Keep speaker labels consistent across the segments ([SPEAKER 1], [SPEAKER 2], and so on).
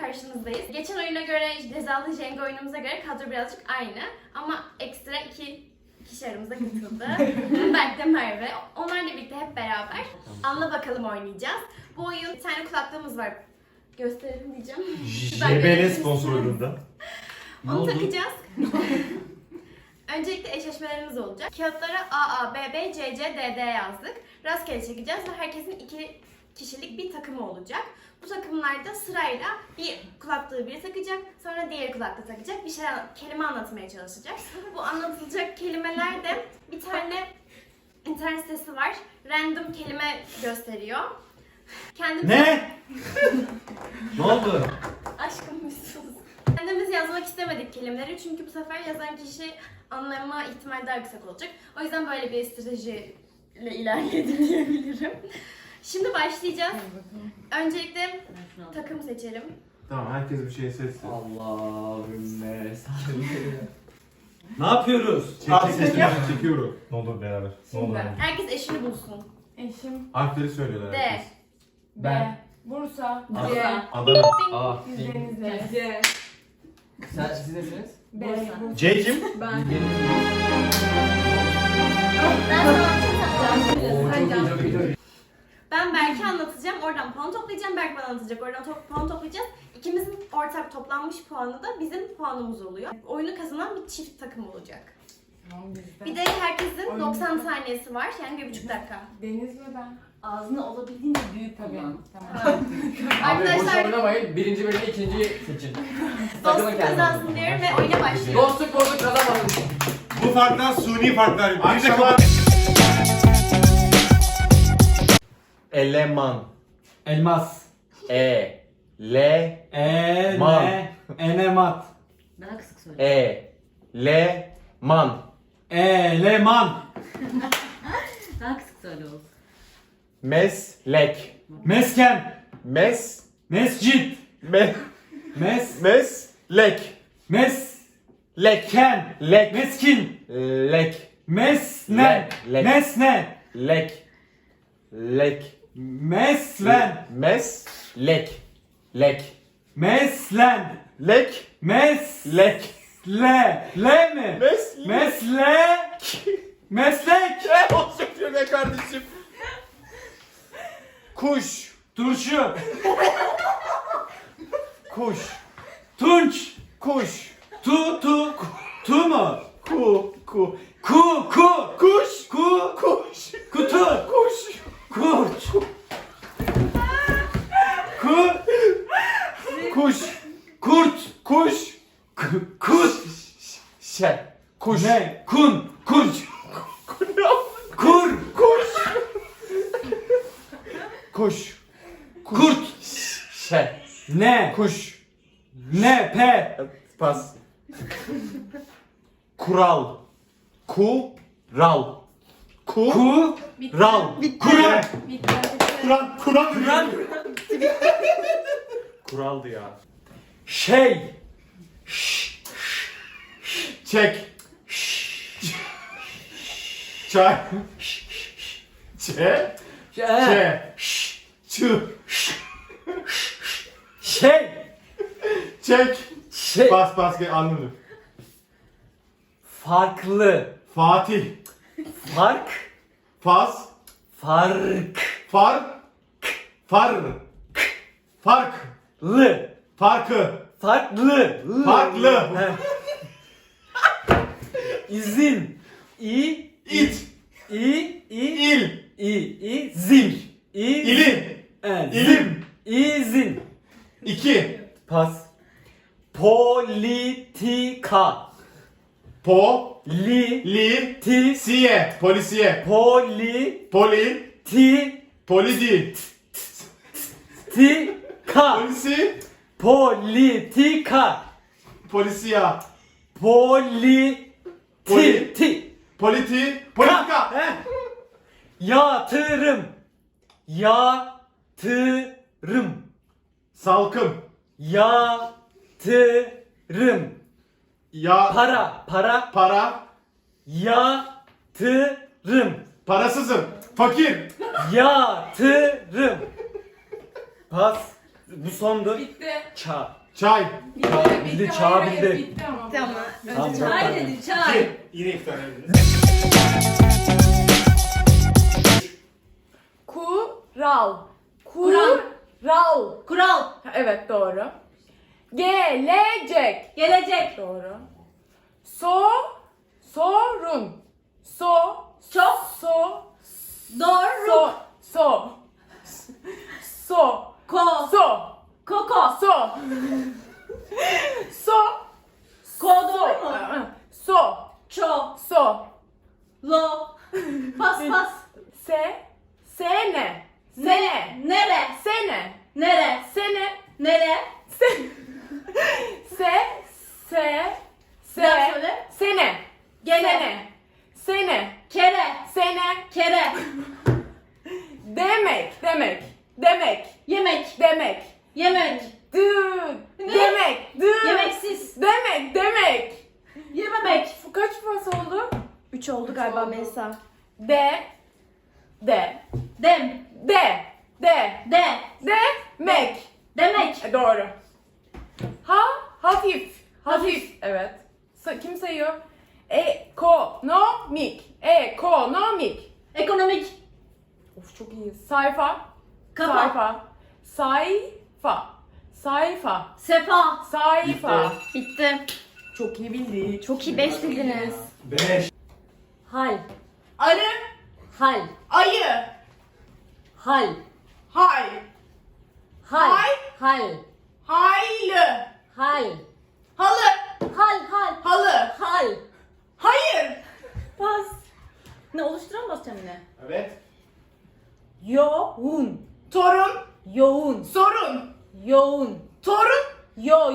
[SPEAKER 1] karşınızdayız. Geçen oyuna göre, cezalı Jenga oyunumuza göre kadro birazcık aynı. Ama ekstra iki kişi aramıza katıldı. Berk de Merve. Onlarla birlikte hep beraber Anla Bakalım oynayacağız. Bu oyun bir tane kulaklığımız var. Gösterelim diyeceğim.
[SPEAKER 2] JBL sponsorluğunda.
[SPEAKER 1] Onu takacağız. Öncelikle eşleşmelerimiz olacak. Kağıtlara A, A, B, B, C, C, D, D yazdık. Rastgele çekeceğiz ve herkesin 2 kişilik bir takımı olacak. Bu takımlarda sırayla bir kulaklığı biri takacak, sonra diğer kulaklığı takacak, bir kelime anlatmaya çalışacak. Bu anlatılacak kelimeler de bir tane internet sitesi var. Random kelime gösteriyor.
[SPEAKER 2] Ne? Ne oldu?
[SPEAKER 1] Aşkım bir sus. Kendimiz yazmak istemedik kelimeleri çünkü bu sefer yazan kişi anlama ihtimali daha yüksek olacak. O yüzden böyle bir stratejiyle ilerledik diyebilirim. Şimdi başlayacağız. Öncelikle takım seçelim.
[SPEAKER 2] Tamam, herkes bir şey seçsin.
[SPEAKER 3] Allahümme salli.
[SPEAKER 2] Ne yapıyoruz? Çekiyorum. Ne olur beraber. Ne olur.
[SPEAKER 1] Herkes eşini bulsun.
[SPEAKER 4] Eşim
[SPEAKER 2] Harfleri söylüyorlar
[SPEAKER 1] D.
[SPEAKER 2] herkes.
[SPEAKER 4] B. Bursa. C.
[SPEAKER 2] Adana.
[SPEAKER 3] A.
[SPEAKER 4] Denizli. C.
[SPEAKER 3] Siz nesiniz?
[SPEAKER 4] B. Bursa.
[SPEAKER 2] C kim?
[SPEAKER 4] Ben.
[SPEAKER 1] Ben sana anlatacağım.
[SPEAKER 3] Oo, çok iyi, çok iyi.
[SPEAKER 1] Ben Berk'e anlatacağım. Oradan puan toplayacağım. Berk bana anlatacak. Oradan puan toplayacağız. İkimizin ortak toplanmış puanı da bizim puanımız oluyor. Oyunu kazanan bir çift takım olacak.
[SPEAKER 4] Tamam bizde.
[SPEAKER 1] Bir de herkesin 90 saniyesi var. Yani 1,5 dakika.
[SPEAKER 4] Deniz ve ben.
[SPEAKER 5] Ağzını olabildiğince büyük
[SPEAKER 4] Tabii.
[SPEAKER 5] kullan.
[SPEAKER 4] Tamam.
[SPEAKER 3] Abi boş
[SPEAKER 1] Arkadaşlar
[SPEAKER 3] oynamayın. Birinci bölümde ikinciyi seçin.
[SPEAKER 1] dostluk kazansın diyorum ve oyuna başlıyoruz.
[SPEAKER 3] Dostluk bozuk kazanmadık.
[SPEAKER 2] Bu farklar suni farklar.
[SPEAKER 6] Akşama- Eleman.
[SPEAKER 7] Elmas.
[SPEAKER 6] Man.
[SPEAKER 7] Enemat.
[SPEAKER 5] Daha kısık söyle.
[SPEAKER 6] Eleman.
[SPEAKER 7] Eleman.
[SPEAKER 5] Daha kısık söyle oğlum.
[SPEAKER 6] Meslek.
[SPEAKER 7] Mesken.
[SPEAKER 6] Mes.
[SPEAKER 7] Mescit.
[SPEAKER 6] Me.
[SPEAKER 7] Mes.
[SPEAKER 6] Meslek.
[SPEAKER 7] Mesleken.
[SPEAKER 6] Lek.
[SPEAKER 7] Meskin.
[SPEAKER 6] Lek.
[SPEAKER 7] Mesnen.
[SPEAKER 6] Lek.
[SPEAKER 7] Mesnen.
[SPEAKER 6] Lek. Lek.
[SPEAKER 7] Meslen.
[SPEAKER 6] Meslek. Lek.
[SPEAKER 7] Meslen.
[SPEAKER 6] Lek.
[SPEAKER 7] Meslek.
[SPEAKER 6] Lek.
[SPEAKER 7] Le mi?
[SPEAKER 6] Meslek.
[SPEAKER 7] Meslek. Meslek.
[SPEAKER 6] Ne olacak diyor be kardeşim? Kuş.
[SPEAKER 7] Turşu.
[SPEAKER 6] Kuş.
[SPEAKER 7] Tunç.
[SPEAKER 6] Kuş.
[SPEAKER 7] Tu mu?
[SPEAKER 6] Ku.
[SPEAKER 7] Ku.
[SPEAKER 6] Kuş.
[SPEAKER 7] Ku.
[SPEAKER 6] Kuş.
[SPEAKER 7] Kutu.
[SPEAKER 6] Kuş.
[SPEAKER 7] Kurç. Ku.
[SPEAKER 6] Kuş.
[SPEAKER 7] Kurt.
[SPEAKER 6] Kuş.
[SPEAKER 7] Kut.
[SPEAKER 6] Kuş.
[SPEAKER 7] Ne? Kun. Kurç. Kur.
[SPEAKER 6] Kuş. Kuş.
[SPEAKER 7] Kurt. Ne?
[SPEAKER 6] Kuş.
[SPEAKER 7] Ne? Pe.
[SPEAKER 6] Pas. Kural. Kural.
[SPEAKER 7] Ku.
[SPEAKER 6] Ral.
[SPEAKER 7] Kuran.
[SPEAKER 2] Kur'an.
[SPEAKER 6] Kuraldı ya.
[SPEAKER 7] Şey.
[SPEAKER 2] Çek. Çay. Çe. Çe. Çı.
[SPEAKER 7] Şey.
[SPEAKER 2] Çek.
[SPEAKER 7] Şey.
[SPEAKER 2] Bas gel anladım.
[SPEAKER 7] Farklı.
[SPEAKER 2] Fatih.
[SPEAKER 7] Fark.
[SPEAKER 2] Fas.
[SPEAKER 7] Fark.
[SPEAKER 2] Far. Fark.
[SPEAKER 7] Lı.
[SPEAKER 2] Farkı.
[SPEAKER 7] Farklı.
[SPEAKER 2] Farklı.
[SPEAKER 7] Heh. İzin. İ.
[SPEAKER 2] İt.
[SPEAKER 7] İl.
[SPEAKER 2] İl.
[SPEAKER 7] Zin.
[SPEAKER 2] İlim.
[SPEAKER 7] Zin. İzin.
[SPEAKER 2] 2.
[SPEAKER 7] Pas. Politika.
[SPEAKER 2] Po.
[SPEAKER 7] Li.
[SPEAKER 2] Li.
[SPEAKER 7] Ti.
[SPEAKER 2] Siye. Polisiye.
[SPEAKER 7] Poli.
[SPEAKER 2] Poli.
[SPEAKER 7] Ti.
[SPEAKER 2] Polidi.
[SPEAKER 7] Ti. Ka.
[SPEAKER 2] Polisi.
[SPEAKER 7] Politika.
[SPEAKER 2] Polisiya.
[SPEAKER 7] Poli.
[SPEAKER 2] Poli-
[SPEAKER 7] Ti.
[SPEAKER 2] Politi. Politika.
[SPEAKER 7] Heh. Yatırım. Yatırım.
[SPEAKER 2] Salkım.
[SPEAKER 7] Yatırım.
[SPEAKER 2] Ya.
[SPEAKER 7] Para.
[SPEAKER 2] Para.
[SPEAKER 7] Yatırım.
[SPEAKER 2] Parasızım. Fakir.
[SPEAKER 7] Yatırım. Pas. Bu sondu.
[SPEAKER 4] Bitti.
[SPEAKER 7] Ça.
[SPEAKER 6] Çay.
[SPEAKER 7] Bildi, çağ bildi.
[SPEAKER 4] Bitti ama.
[SPEAKER 1] Tamam.
[SPEAKER 7] Tamam.
[SPEAKER 5] Çay dedi çay.
[SPEAKER 2] Yine iftar ediniz.
[SPEAKER 4] Kural.
[SPEAKER 5] Kural.
[SPEAKER 4] Kural.
[SPEAKER 5] Kural.
[SPEAKER 4] Evet doğru. Gelecek.
[SPEAKER 5] Gelecek.
[SPEAKER 4] Doğru. Sorun.
[SPEAKER 5] Çok. Doğru.
[SPEAKER 4] So.
[SPEAKER 5] Ko. Koko. Ko doğru mu? Ço. Lo. Pas.
[SPEAKER 4] Sene.
[SPEAKER 5] Nere? Nere?
[SPEAKER 4] Sene.
[SPEAKER 5] Nere?
[SPEAKER 4] Sene.
[SPEAKER 5] Nere? Daha söyle.
[SPEAKER 4] Sene.
[SPEAKER 5] Gene.
[SPEAKER 4] Sene.
[SPEAKER 5] Kere.
[SPEAKER 4] Sene.
[SPEAKER 5] Kere.
[SPEAKER 4] Demek.
[SPEAKER 5] Yemek.
[SPEAKER 4] Demek.
[SPEAKER 5] Yemek.
[SPEAKER 4] Ne? Demek.
[SPEAKER 5] Yemeksiz.
[SPEAKER 4] Demek.
[SPEAKER 5] Yememek.
[SPEAKER 4] Kaç pas oldu?
[SPEAKER 1] 3 oldu galiba Melisa.
[SPEAKER 4] Dem.
[SPEAKER 5] Dem. De.
[SPEAKER 4] Demek.
[SPEAKER 5] Demek.
[SPEAKER 4] Doğru. Hafif. Evet. Kim sayıyor? Ekonomik.
[SPEAKER 5] Ekonomik.
[SPEAKER 4] Of çok iyi. Sayfa.
[SPEAKER 5] Kafa.
[SPEAKER 4] Sayfa.
[SPEAKER 5] Sefa.
[SPEAKER 1] Bitti.
[SPEAKER 4] Çok iyi bildi.
[SPEAKER 1] Çok iyi 5 bildiniz.
[SPEAKER 2] 5.
[SPEAKER 5] Hal.
[SPEAKER 4] Arı.
[SPEAKER 5] Hal.
[SPEAKER 4] Ayı.
[SPEAKER 5] Hal.
[SPEAKER 4] Hay.
[SPEAKER 5] Hal.
[SPEAKER 4] Hay.
[SPEAKER 5] Hal.
[SPEAKER 4] Haylı.
[SPEAKER 5] Hal.
[SPEAKER 4] Halı.
[SPEAKER 5] Halı.
[SPEAKER 4] Hal. Hayır.
[SPEAKER 5] Pas. Ne oluşturan mı basacağım yine?
[SPEAKER 2] Evet.
[SPEAKER 5] Yoğun.
[SPEAKER 4] Torun.
[SPEAKER 5] Yoğun.
[SPEAKER 4] Sorun.
[SPEAKER 5] Yoğun.
[SPEAKER 4] Torun.
[SPEAKER 5] Yo.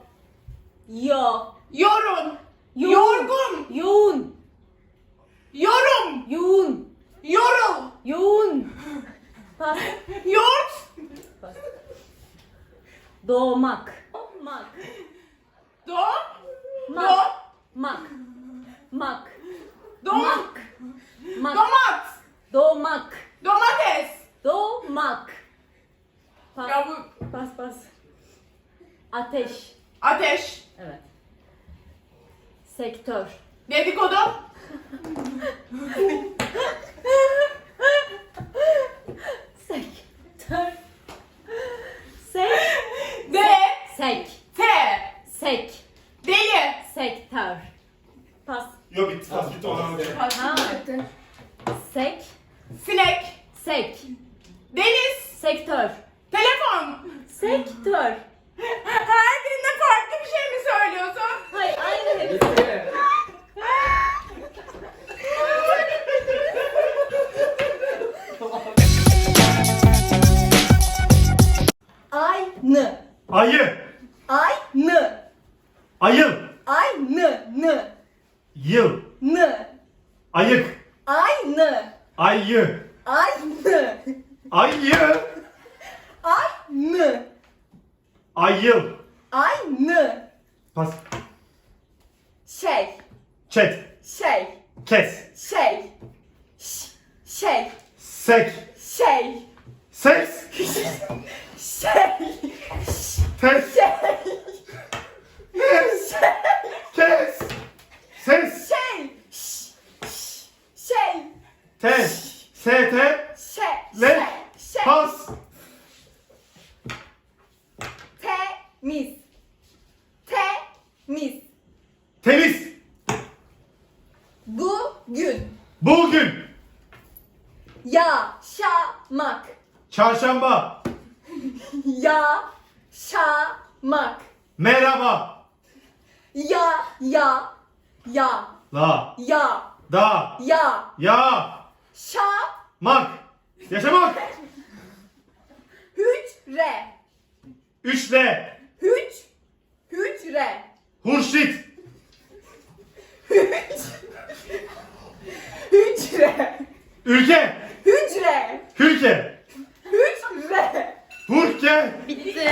[SPEAKER 4] Yorun.
[SPEAKER 5] Yoğun.
[SPEAKER 4] Yorgun.
[SPEAKER 5] Yoğun.
[SPEAKER 4] Yorum.
[SPEAKER 5] Yoğun.
[SPEAKER 4] Yorul.
[SPEAKER 5] Yoğun. Pas.
[SPEAKER 4] Yoğurt.
[SPEAKER 5] Pas. Doğmak. Mak.
[SPEAKER 4] Do.
[SPEAKER 5] Mak. Mak. Mak.
[SPEAKER 4] Domak.
[SPEAKER 5] Mak.
[SPEAKER 4] Domat.
[SPEAKER 5] Doğmak.
[SPEAKER 4] Domates.
[SPEAKER 5] Doğmak. Pas.
[SPEAKER 4] Ya bu
[SPEAKER 5] Pas. Ateş.
[SPEAKER 4] ateş.
[SPEAKER 5] Evet. Sektör.
[SPEAKER 4] Dedikodu.
[SPEAKER 5] Sektör. Sek.
[SPEAKER 4] De.
[SPEAKER 5] Sek.
[SPEAKER 4] Te.
[SPEAKER 5] Sek.
[SPEAKER 4] Deli.
[SPEAKER 5] Sektör. Pas.
[SPEAKER 2] Yok bitti. Pas bitti. Ona
[SPEAKER 5] Ha. Sek.
[SPEAKER 4] Sinek.
[SPEAKER 5] Sek.
[SPEAKER 4] Deniz.
[SPEAKER 5] Sektör.
[SPEAKER 4] Telefon.
[SPEAKER 5] Sektör.
[SPEAKER 4] Her birinde farklı bir şey mi söylüyorsun?
[SPEAKER 5] Hayır aynı hepsi.
[SPEAKER 3] Bitti.
[SPEAKER 5] Aynı.
[SPEAKER 2] Ayı.
[SPEAKER 5] Aynı.
[SPEAKER 2] Ayıl.
[SPEAKER 5] Aynı.
[SPEAKER 2] Yıl. Ayık.
[SPEAKER 5] Aynı.
[SPEAKER 2] Ayı.
[SPEAKER 5] Aynı.
[SPEAKER 2] Ayı.
[SPEAKER 5] Aynı.
[SPEAKER 2] Ayıl.
[SPEAKER 5] Aynı.
[SPEAKER 2] Pas.
[SPEAKER 5] Şey.
[SPEAKER 2] Çet. Kes. Sek. Ses. Tes. Kes. Ses. Tes. Sete. Le. Pas. Temiz.
[SPEAKER 5] Bugün.
[SPEAKER 2] Bugün.
[SPEAKER 5] Yaşamak.
[SPEAKER 2] Çarşamba.
[SPEAKER 5] Yaşamak.
[SPEAKER 2] Merhaba.
[SPEAKER 5] Ya.
[SPEAKER 2] La. Da. Ya. Mak. Yaşamak.
[SPEAKER 5] Hücre.
[SPEAKER 2] Üçle.
[SPEAKER 5] Hücre.
[SPEAKER 2] Hurşit.
[SPEAKER 5] Hücre.
[SPEAKER 2] Ülke.
[SPEAKER 5] Hücre.
[SPEAKER 2] Hülke.
[SPEAKER 5] Hücre.
[SPEAKER 2] Hurke.
[SPEAKER 1] Bitti.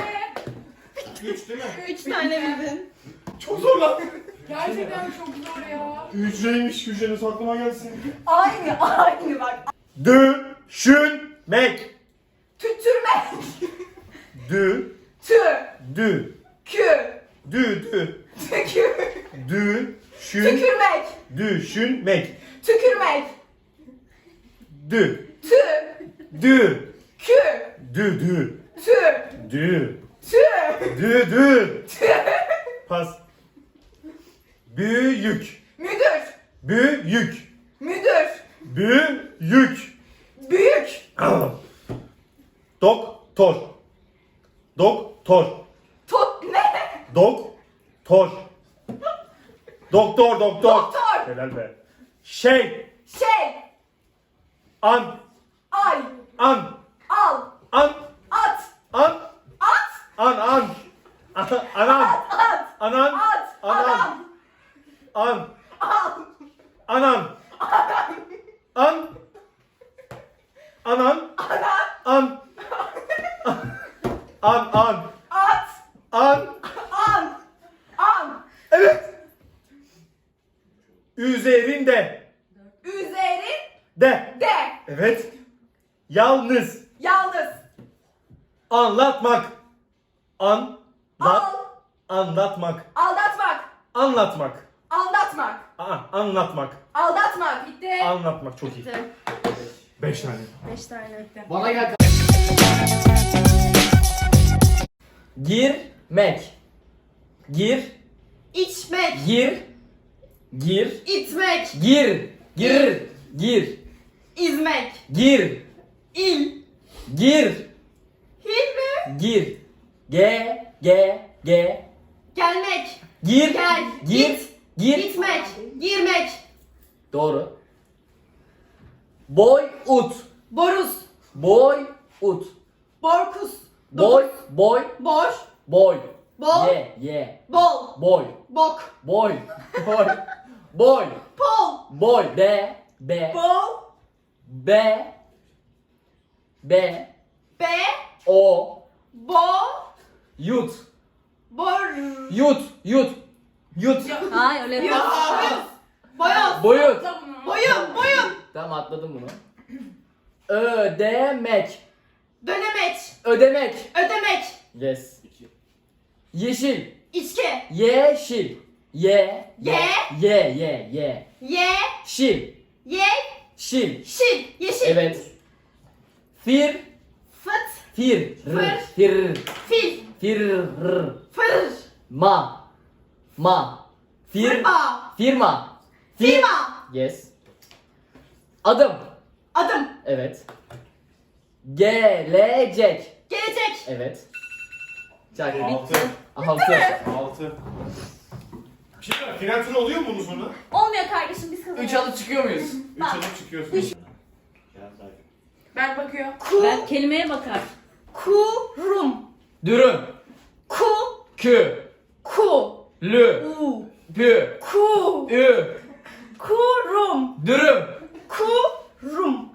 [SPEAKER 2] Üç değil mi?
[SPEAKER 1] 3 tane bildin.
[SPEAKER 2] Çok zor lan.
[SPEAKER 4] Gerçekten çok zor ya.
[SPEAKER 2] Hücreymiş, hücrenin aklıma gelsin.
[SPEAKER 5] Aynı bak.
[SPEAKER 6] Düşünmek.
[SPEAKER 5] Tütürmek.
[SPEAKER 6] Dü.
[SPEAKER 4] Tü.
[SPEAKER 6] Dü.
[SPEAKER 4] Kü.
[SPEAKER 6] Dü.
[SPEAKER 4] Tükür.
[SPEAKER 6] Düşün.
[SPEAKER 4] Tükürmek.
[SPEAKER 6] Düşünmek.
[SPEAKER 4] Tükürmek.
[SPEAKER 6] Dü.
[SPEAKER 4] Tü.
[SPEAKER 6] Dü.
[SPEAKER 4] Kü.
[SPEAKER 6] Dü.
[SPEAKER 4] Tü.
[SPEAKER 6] Dü.
[SPEAKER 4] Tü.
[SPEAKER 6] Dü. Pas. Büyük.
[SPEAKER 4] Müdür.
[SPEAKER 6] Büyük.
[SPEAKER 4] Müdür.
[SPEAKER 6] Büyük.
[SPEAKER 4] Büyük.
[SPEAKER 6] Doktor. Doktor.
[SPEAKER 4] Tot ne?
[SPEAKER 6] Doktor. Doktor.
[SPEAKER 4] Doktor.
[SPEAKER 6] Helal be. Şey.
[SPEAKER 4] Şey.
[SPEAKER 6] An.
[SPEAKER 4] Ay.
[SPEAKER 6] An.
[SPEAKER 4] Al.
[SPEAKER 6] An.
[SPEAKER 4] At.
[SPEAKER 6] An.
[SPEAKER 4] At.
[SPEAKER 6] Anan. Anan.
[SPEAKER 4] At.
[SPEAKER 6] Anan.
[SPEAKER 4] At.
[SPEAKER 6] Anan.
[SPEAKER 4] Adam.
[SPEAKER 6] An.
[SPEAKER 4] Al.
[SPEAKER 6] Anan. An. Anan. An. An.
[SPEAKER 4] At.
[SPEAKER 6] An.
[SPEAKER 4] An. An.
[SPEAKER 6] Evet. Üzerinde.
[SPEAKER 4] Üzerin.
[SPEAKER 6] De.
[SPEAKER 4] De.
[SPEAKER 6] Evet. Yalnız.
[SPEAKER 4] Yalnız.
[SPEAKER 6] Anlatmak.
[SPEAKER 4] Al.
[SPEAKER 6] Anlatmak.
[SPEAKER 4] Aldatmak.
[SPEAKER 6] Anlatmak.
[SPEAKER 4] Aldatmak.
[SPEAKER 6] Anlatmak.
[SPEAKER 4] Aldatmak. Bitti.
[SPEAKER 6] Anlatmak çok iyi. 5 tane.
[SPEAKER 1] 5 tane.
[SPEAKER 3] Bana gel.
[SPEAKER 7] Girmek. Gir.
[SPEAKER 1] İçmek,
[SPEAKER 7] Gir. Gir.
[SPEAKER 1] itmek,
[SPEAKER 7] Gir. Gir.
[SPEAKER 1] izmek,
[SPEAKER 7] Gir.
[SPEAKER 1] il,
[SPEAKER 7] Gir.
[SPEAKER 1] hil mi?
[SPEAKER 7] Gir.
[SPEAKER 1] Gelmek,
[SPEAKER 7] Gir.
[SPEAKER 1] gel,
[SPEAKER 7] Gir.
[SPEAKER 1] git,
[SPEAKER 7] Gir.
[SPEAKER 1] gitmek, girmek,
[SPEAKER 7] Doğru. Boy ut.
[SPEAKER 1] boruz,
[SPEAKER 7] Boy ut.
[SPEAKER 1] borkus,
[SPEAKER 7] Boy.
[SPEAKER 1] bor,
[SPEAKER 7] Boy.
[SPEAKER 1] bol,
[SPEAKER 7] Ye.
[SPEAKER 1] bol,
[SPEAKER 7] Boy.
[SPEAKER 1] bok,
[SPEAKER 7] Boy. Boy.
[SPEAKER 1] pol,
[SPEAKER 7] Boy. Be.
[SPEAKER 1] bol,
[SPEAKER 7] Be.
[SPEAKER 1] be,
[SPEAKER 7] O.
[SPEAKER 1] bo,
[SPEAKER 7] Yut.
[SPEAKER 1] bor,
[SPEAKER 7] Yut.
[SPEAKER 5] Hayır öyle
[SPEAKER 1] boyoz, boyoz,
[SPEAKER 7] Boyut.
[SPEAKER 1] boyun,
[SPEAKER 7] Tamam atladım bunu. Ödemek.
[SPEAKER 1] dönemeç,
[SPEAKER 7] Ödemek.
[SPEAKER 1] ödemek,
[SPEAKER 7] Yes. Yeşil.
[SPEAKER 1] içki,
[SPEAKER 7] Yeşil. Ye.
[SPEAKER 1] ye,
[SPEAKER 7] Şil.
[SPEAKER 1] ye,
[SPEAKER 7] Şil.
[SPEAKER 1] şil, yeşil,
[SPEAKER 7] Evet. Fir.
[SPEAKER 1] fıt,
[SPEAKER 7] Fir.
[SPEAKER 1] Fır.
[SPEAKER 7] Fir.
[SPEAKER 1] fil,
[SPEAKER 7] Fir.
[SPEAKER 1] fır,
[SPEAKER 7] Ma.
[SPEAKER 1] fırma,
[SPEAKER 7] Firma.
[SPEAKER 1] firma,
[SPEAKER 7] Yes. Adım.
[SPEAKER 1] adım,
[SPEAKER 7] Evet. Gelecek.
[SPEAKER 1] gelecek,
[SPEAKER 7] Evet. Çak.
[SPEAKER 2] 6.
[SPEAKER 6] 6. Bir şey var. Final turu oluyor mu bunun sonra?
[SPEAKER 5] Olmuyor kardeşim biz kazanıyoruz.
[SPEAKER 3] 3 alıp çıkıyor muyuz?
[SPEAKER 6] 3 alıp çıkıyorsun.
[SPEAKER 4] Ben bakıyor.
[SPEAKER 5] Ben kelimeye bakar.
[SPEAKER 1] kurum,
[SPEAKER 7] Dürüm.
[SPEAKER 1] ku,
[SPEAKER 7] Kü.
[SPEAKER 1] ku,
[SPEAKER 7] Lü.
[SPEAKER 1] u,
[SPEAKER 7] Pü.
[SPEAKER 1] ku,
[SPEAKER 7] Ü.
[SPEAKER 1] kurum,
[SPEAKER 7] Dürüm.
[SPEAKER 1] kurum,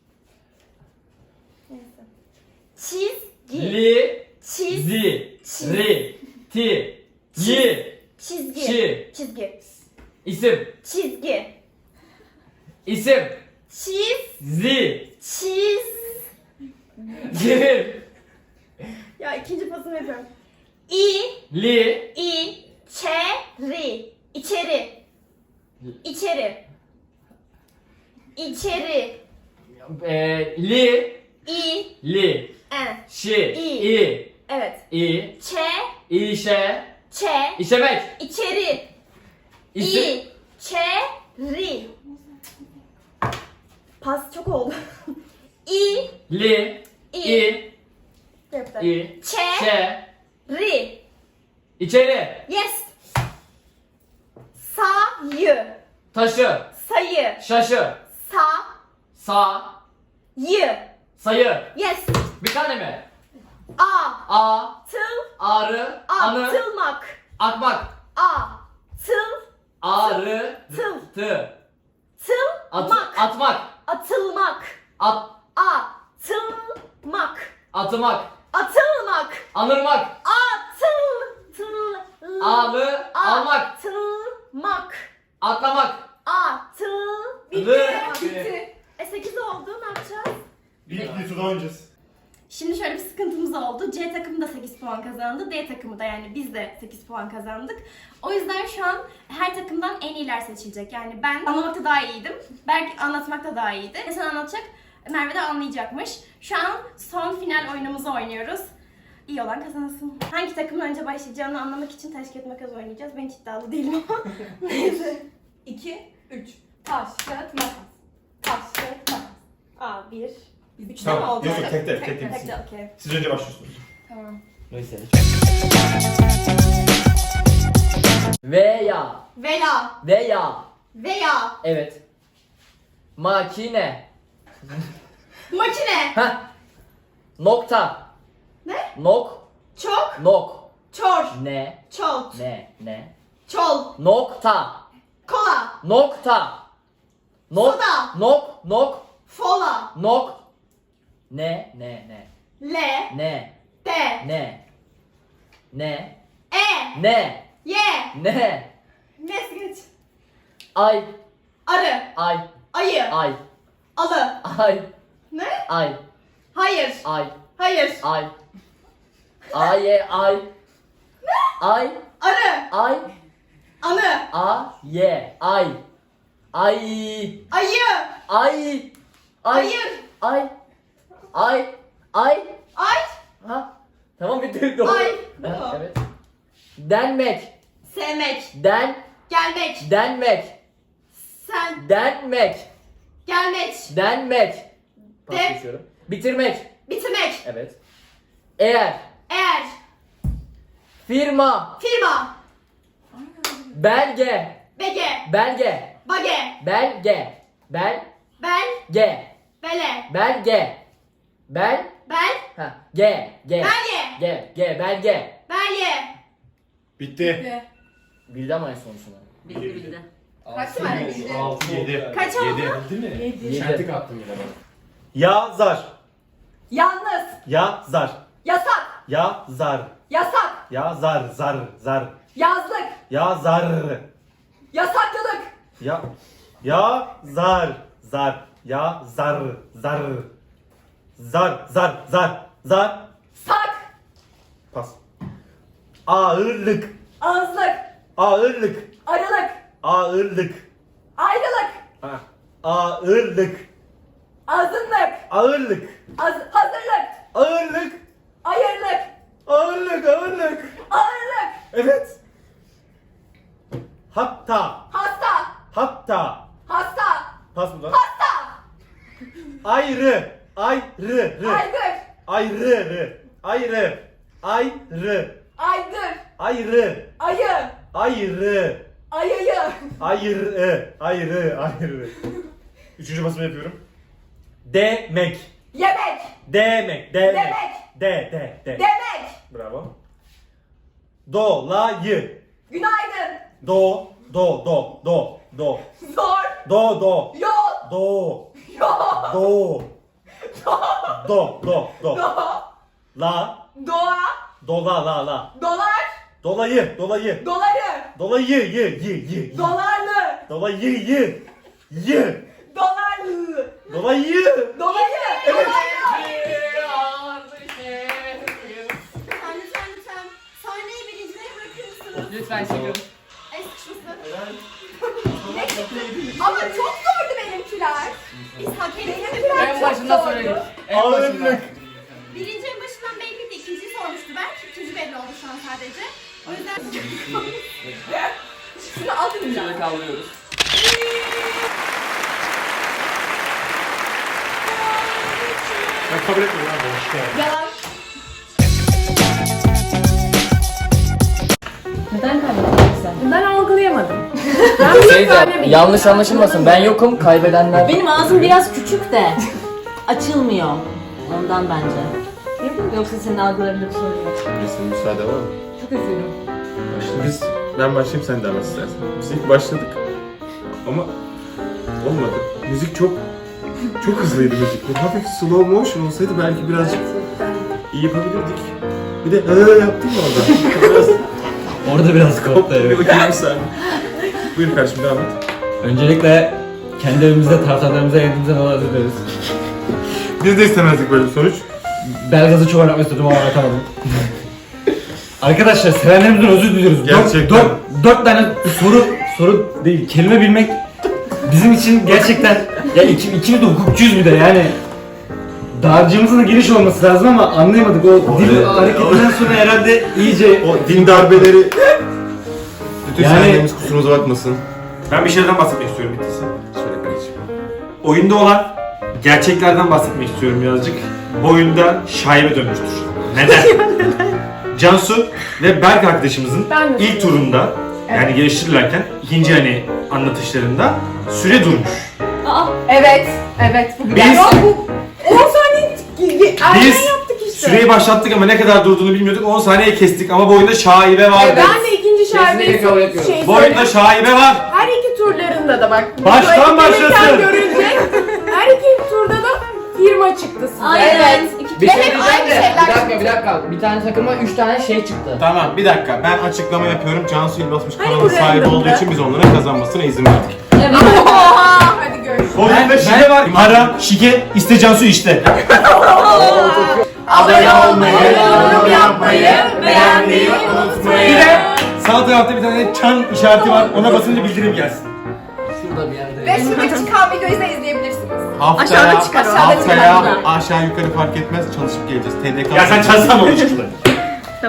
[SPEAKER 1] çizgi,
[SPEAKER 7] Li.
[SPEAKER 1] çiz,
[SPEAKER 7] Zi. Ri. Ti. Yi.
[SPEAKER 1] çizgi,
[SPEAKER 7] Şi.
[SPEAKER 1] çizgi,
[SPEAKER 7] İsim.
[SPEAKER 1] çizgi,
[SPEAKER 7] İsim.
[SPEAKER 1] çiz,
[SPEAKER 7] Zi.
[SPEAKER 1] çiz.
[SPEAKER 7] Gir.
[SPEAKER 1] Ya ikinci pasını yapıyorum.
[SPEAKER 7] Li.
[SPEAKER 1] İçeri, içeri, içeri, içeri,
[SPEAKER 7] Li.
[SPEAKER 1] i,
[SPEAKER 7] Li.
[SPEAKER 1] en,
[SPEAKER 7] Şi.
[SPEAKER 1] İ.
[SPEAKER 7] İ.
[SPEAKER 1] evet,
[SPEAKER 7] İ.
[SPEAKER 1] çe,
[SPEAKER 7] İşe.
[SPEAKER 1] çe,
[SPEAKER 7] İşemek.
[SPEAKER 1] içeri,
[SPEAKER 7] İsim.
[SPEAKER 1] içeri. Pas çok oldu.
[SPEAKER 7] Li. İ.
[SPEAKER 1] Yaptı.
[SPEAKER 7] İ.
[SPEAKER 1] Çe,
[SPEAKER 7] Şe.
[SPEAKER 1] ri,
[SPEAKER 7] İçeri.
[SPEAKER 1] yes. Sayı,
[SPEAKER 7] Taşı.
[SPEAKER 1] sayı,
[SPEAKER 7] Şaşı. Sa.
[SPEAKER 1] yı,
[SPEAKER 7] Sayı.
[SPEAKER 1] yes.
[SPEAKER 7] Bir tane mi?
[SPEAKER 1] A, tıl,
[SPEAKER 7] Ağrı. Anı.
[SPEAKER 1] atılmak,
[SPEAKER 7] Akmak.
[SPEAKER 1] tıl,
[SPEAKER 7] Ağrı.
[SPEAKER 1] tıl,
[SPEAKER 7] Tı.
[SPEAKER 1] tılmak,
[SPEAKER 7] Atmak.
[SPEAKER 1] atılmak, atılmak,
[SPEAKER 7] Atmak.
[SPEAKER 1] atılmak,
[SPEAKER 7] Anırmak. Ağlı. Almak.
[SPEAKER 1] atılmak,
[SPEAKER 7] Atlamak.
[SPEAKER 1] bitti.
[SPEAKER 7] Bitti.
[SPEAKER 1] Bitti. 8 oldu, ne yapacağız?
[SPEAKER 6] Bir turda oynayacağız.
[SPEAKER 1] Şimdi şöyle bir sıkıntımız oldu. C takımı da 8 puan kazandı. D takımı da, yani biz de 8 puan kazandık. O yüzden şu an her takımdan en iyiler seçilecek. Yani ben anlamakta daha iyiydim. Berk anlatmakta daha iyiydi. Sen anlatacak, Merve de anlayacakmış. Şu an son final oyunumuzu oynuyoruz. İyi olan kazansın. Hangi takımın önce başlayacağını anlamak için taş kağıt makas oynayacağız. Ben hiç iddialı değilim ama. Neyse.
[SPEAKER 4] 2, 3. Taş, kağıt, makas. Taş, kağıt, makas.
[SPEAKER 1] Aa, 1. 3
[SPEAKER 6] Tamam,
[SPEAKER 1] mi oldu?
[SPEAKER 6] yok, yok, tek tek, tek
[SPEAKER 1] tek.
[SPEAKER 6] tek.
[SPEAKER 1] Okey.
[SPEAKER 6] Siz önce başlıyorsunuz.
[SPEAKER 1] Tamam.
[SPEAKER 7] Neyse. Veya.
[SPEAKER 1] Veya.
[SPEAKER 7] Veya.
[SPEAKER 1] Veya.
[SPEAKER 7] Evet. Makine.
[SPEAKER 1] Makine.
[SPEAKER 7] Heh. Nokta.
[SPEAKER 1] Ne?
[SPEAKER 7] Nok.
[SPEAKER 1] Çok.
[SPEAKER 7] Nok.
[SPEAKER 1] Çor.
[SPEAKER 7] Ne.
[SPEAKER 1] Çol.
[SPEAKER 7] Ne.
[SPEAKER 1] Çol.
[SPEAKER 7] Nokta.
[SPEAKER 1] Kola.
[SPEAKER 7] Nokta. Nok.
[SPEAKER 1] Soda.
[SPEAKER 7] Nok.
[SPEAKER 1] Fola.
[SPEAKER 7] Nok. Ne.
[SPEAKER 1] Le.
[SPEAKER 7] Ne.
[SPEAKER 1] De.
[SPEAKER 7] Ne.
[SPEAKER 1] E.
[SPEAKER 7] Ne.
[SPEAKER 1] Ye.
[SPEAKER 7] Ne.
[SPEAKER 1] Nes geç.
[SPEAKER 7] Ay.
[SPEAKER 1] Arı.
[SPEAKER 7] Ay.
[SPEAKER 1] Ayı.
[SPEAKER 7] Ay.
[SPEAKER 1] Alı.
[SPEAKER 7] Ay.
[SPEAKER 1] Ne?
[SPEAKER 7] Ay.
[SPEAKER 1] Hayır.
[SPEAKER 7] Ay.
[SPEAKER 1] Hayır.
[SPEAKER 7] Ay. Ay. Ay. Ay.
[SPEAKER 1] Arı.
[SPEAKER 7] Ay.
[SPEAKER 1] Anı.
[SPEAKER 7] Ay. Ay. Ay.
[SPEAKER 1] Ayı.
[SPEAKER 7] Ay.
[SPEAKER 1] Hayır.
[SPEAKER 7] Ay. Ay. Ay.
[SPEAKER 1] Ay.
[SPEAKER 7] Ha. Tamam bitti. Doğru.
[SPEAKER 1] Ay.
[SPEAKER 7] Ha, evet. Denmek.
[SPEAKER 1] Sevmek.
[SPEAKER 7] Gelmek.
[SPEAKER 1] Sen.
[SPEAKER 7] Denmek.
[SPEAKER 1] Gelmek.
[SPEAKER 7] Pas
[SPEAKER 1] De.
[SPEAKER 7] geçiyorum. Bitirmek.
[SPEAKER 1] Bitirmek.
[SPEAKER 7] Evet. Eğer.
[SPEAKER 1] Eğer.
[SPEAKER 7] Firma.
[SPEAKER 1] Firma.
[SPEAKER 7] Belge.
[SPEAKER 1] Bege.
[SPEAKER 7] Belge.
[SPEAKER 1] Bage.
[SPEAKER 7] Belge.
[SPEAKER 1] Bel.
[SPEAKER 7] Belge.
[SPEAKER 1] Bele.
[SPEAKER 7] Belge.
[SPEAKER 1] Bel.
[SPEAKER 7] Ha. Ge.
[SPEAKER 1] Belge.
[SPEAKER 7] Belge.
[SPEAKER 1] Belge.
[SPEAKER 6] Bitti.
[SPEAKER 7] Bildi ama en sonuçunu.
[SPEAKER 5] Bildi.
[SPEAKER 1] Kaç var?
[SPEAKER 6] 6, 7.
[SPEAKER 1] Kaç oldu?
[SPEAKER 7] 7.
[SPEAKER 3] Şentik attım yine ben.
[SPEAKER 2] Yazar.
[SPEAKER 4] Yalnız.
[SPEAKER 2] Yazar.
[SPEAKER 4] Yasak.
[SPEAKER 2] Yazar.
[SPEAKER 4] Yasak.
[SPEAKER 2] Yazar. Zar.
[SPEAKER 4] Yazlık.
[SPEAKER 2] Yazar.
[SPEAKER 4] Yasaklılık.
[SPEAKER 2] Yazar. Yazar. Zar.
[SPEAKER 4] Sak.
[SPEAKER 2] Pas. Ağırlık.
[SPEAKER 4] Ağızlık.
[SPEAKER 2] Ağırlık.
[SPEAKER 4] Arılık.
[SPEAKER 2] Ağırlık.
[SPEAKER 4] Ayrılık.
[SPEAKER 2] Ha. Ağırlık.
[SPEAKER 4] Azınlık.
[SPEAKER 2] Ağırlık.
[SPEAKER 4] Hazırlık.
[SPEAKER 2] Ağırlık.
[SPEAKER 4] Ayırlık.
[SPEAKER 2] Ağırlık.
[SPEAKER 4] Ağırlık.
[SPEAKER 2] Evet. Hatta.
[SPEAKER 4] Hasta.
[SPEAKER 2] Pas mı lan?
[SPEAKER 4] Hasta.
[SPEAKER 2] Ayrı.
[SPEAKER 4] Aygır.
[SPEAKER 2] Ayrı.
[SPEAKER 4] Aygır. Ayı.
[SPEAKER 2] Ayrı. Üçüncü basımı yapıyorum. Demek.
[SPEAKER 4] Yemek.
[SPEAKER 2] Demek.
[SPEAKER 4] Demek.
[SPEAKER 2] Bravo. Dolayı.
[SPEAKER 4] Günaydın.
[SPEAKER 2] Do.
[SPEAKER 4] Zor.
[SPEAKER 2] Do.
[SPEAKER 4] Yol.
[SPEAKER 2] Do.
[SPEAKER 4] Do.
[SPEAKER 2] La.
[SPEAKER 4] Doğa.
[SPEAKER 2] La.
[SPEAKER 4] Dolar.
[SPEAKER 2] Dolayı.
[SPEAKER 4] Doları.
[SPEAKER 2] Dolayı.
[SPEAKER 4] Dolarlı.
[SPEAKER 2] Dolayı.
[SPEAKER 4] Dolarlı.
[SPEAKER 2] Dolayı.
[SPEAKER 4] Dolayı.
[SPEAKER 2] Evet.
[SPEAKER 1] Lütfen. Sahneyi birincilere bırakır mısınız?
[SPEAKER 3] Lütfen çıkın.
[SPEAKER 1] Ay sıçmasın.
[SPEAKER 4] Ama çok zordu benimkiler.
[SPEAKER 1] Biz hak ettik.
[SPEAKER 4] Benimkiler
[SPEAKER 3] En
[SPEAKER 4] çok
[SPEAKER 3] başından
[SPEAKER 4] zordu.
[SPEAKER 3] söyledik. En başından.
[SPEAKER 2] Ağırlık.
[SPEAKER 1] Birinci en başından belliydi. İkinciyi sormuştu ben. İkinci belli oldu şu an sadece. O yüzden...
[SPEAKER 4] Şunu alın ya.
[SPEAKER 3] Şöyle kaldırıyoruz.
[SPEAKER 6] Ben kabul etmiyorum abi. Hoş geldin.
[SPEAKER 4] Yalan.
[SPEAKER 5] Neden kaybettin sen?
[SPEAKER 4] Ben algılayamadım.
[SPEAKER 7] Şey de, yanlış anlaşılmasın. Ben yokum. Kaybedenler.
[SPEAKER 5] Benim ağzım biraz küçük de açılmıyor. Ondan bence. Yoksa senin algılarında bir sorun yok.
[SPEAKER 6] Müsaade var mı?
[SPEAKER 4] Çok üzüldüm.
[SPEAKER 6] Ben başlayayım sen devam istersen. Biz ilk başladık ama olmadı. Müzik çok hızlıydı müzik. Böyle hafif slow motion olsaydı belki birazcık iyi yapabilirdik. Bir de yaptın mı orada? Biraz
[SPEAKER 2] Orada biraz koptu
[SPEAKER 6] bir bakayım bir saniye. Buyur kardeşim devam et.
[SPEAKER 2] Öncelikle kendi evimizde taraftarlarımıza yendiğimizden dolayı özür dileriz.
[SPEAKER 6] Biz de istemezdik böyle bir sonuç.
[SPEAKER 2] Belgaz'ı çok aratmak istedim ama aratamadım. Arkadaşlar sevenlerimizden özür diliyoruz.
[SPEAKER 6] Gerçekten.
[SPEAKER 2] Dört tane soru değil, kelime bilmek bizim için gerçekten ya ikimiz de hukukçuyuz bir de yani. Dağarcığımızın da geniş olması lazım ama anlayamadık. O dil hareketinden sonra herhalde iyice
[SPEAKER 6] O din darbeleri... Bütün
[SPEAKER 2] Yani-
[SPEAKER 6] sevenlerimiz kusurumuza bakmasın.
[SPEAKER 2] Ben bir şeylerden bahsetmek istiyorum bittiyse.
[SPEAKER 6] Söyle kardeşim.
[SPEAKER 2] Oyunda olan gerçeklerden bahsetmek istiyorum birazcık. Bu oyunda şaibe dönmüştür. Neden? Cansu ve Berk arkadaşımızın
[SPEAKER 4] Ben de
[SPEAKER 2] ilk turunda yani geliştirirlerken ikinci hani anlatışlarında süre durmuş.
[SPEAKER 4] Evet. Evet. Bu güzel.
[SPEAKER 2] Biz-
[SPEAKER 4] Ya bu 10 saniye erken
[SPEAKER 2] Biz
[SPEAKER 4] yaptık işte.
[SPEAKER 2] süreyi başlattık ama ne kadar durduğunu bilmiyorduk. 10 saniye kestik ama bu oyunda şaibe var.
[SPEAKER 4] Ben de ikinci şarkıyı
[SPEAKER 3] kabul etmiyorum.
[SPEAKER 4] şey
[SPEAKER 2] Bu oyunda şaibe var.
[SPEAKER 4] her iki turlarında da bak.
[SPEAKER 2] Baştan
[SPEAKER 4] bu etkinlikten
[SPEAKER 2] başlasın.
[SPEAKER 4] görülecek. Her iki turda da firma çıktı size.
[SPEAKER 5] Aynen.
[SPEAKER 3] Bir
[SPEAKER 4] Ve
[SPEAKER 3] şey
[SPEAKER 4] hep
[SPEAKER 3] diyeceğim
[SPEAKER 4] aynı
[SPEAKER 3] de.
[SPEAKER 4] şeyler
[SPEAKER 3] Bir dakika. Bir tane takıma 3 tane şey çıktı.
[SPEAKER 6] Tamam bir dakika ben açıklama yapıyorum. Cansu İlbasmış
[SPEAKER 4] Hani
[SPEAKER 6] kanalın
[SPEAKER 4] bu
[SPEAKER 6] sahibi
[SPEAKER 4] random'da?
[SPEAKER 6] olduğu için biz onlara kazanmasına izin verdik.
[SPEAKER 5] Evet.
[SPEAKER 4] Oha! Hadi görüşürüz.
[SPEAKER 2] Oyunda şike var. Ara, şike, iste Cansu işte.
[SPEAKER 4] Abone
[SPEAKER 6] olmayı, yorum yapmayı, beğenmeyi unutmayın.
[SPEAKER 2] Bir de sağ tarafta bir tane çan işareti var. Ona basınca bildirim gelsin.
[SPEAKER 3] Şurada bir yerde.
[SPEAKER 4] Ve şuradaki çıkan videoyu da izleyebilirsiniz.
[SPEAKER 6] Haftaya,
[SPEAKER 4] Aşağıda çıkar o.
[SPEAKER 6] haftaya aşağı yukarı fark etmez çalışıp geleceğiz. TDK.
[SPEAKER 2] Ya sen çalsana onu çıktı.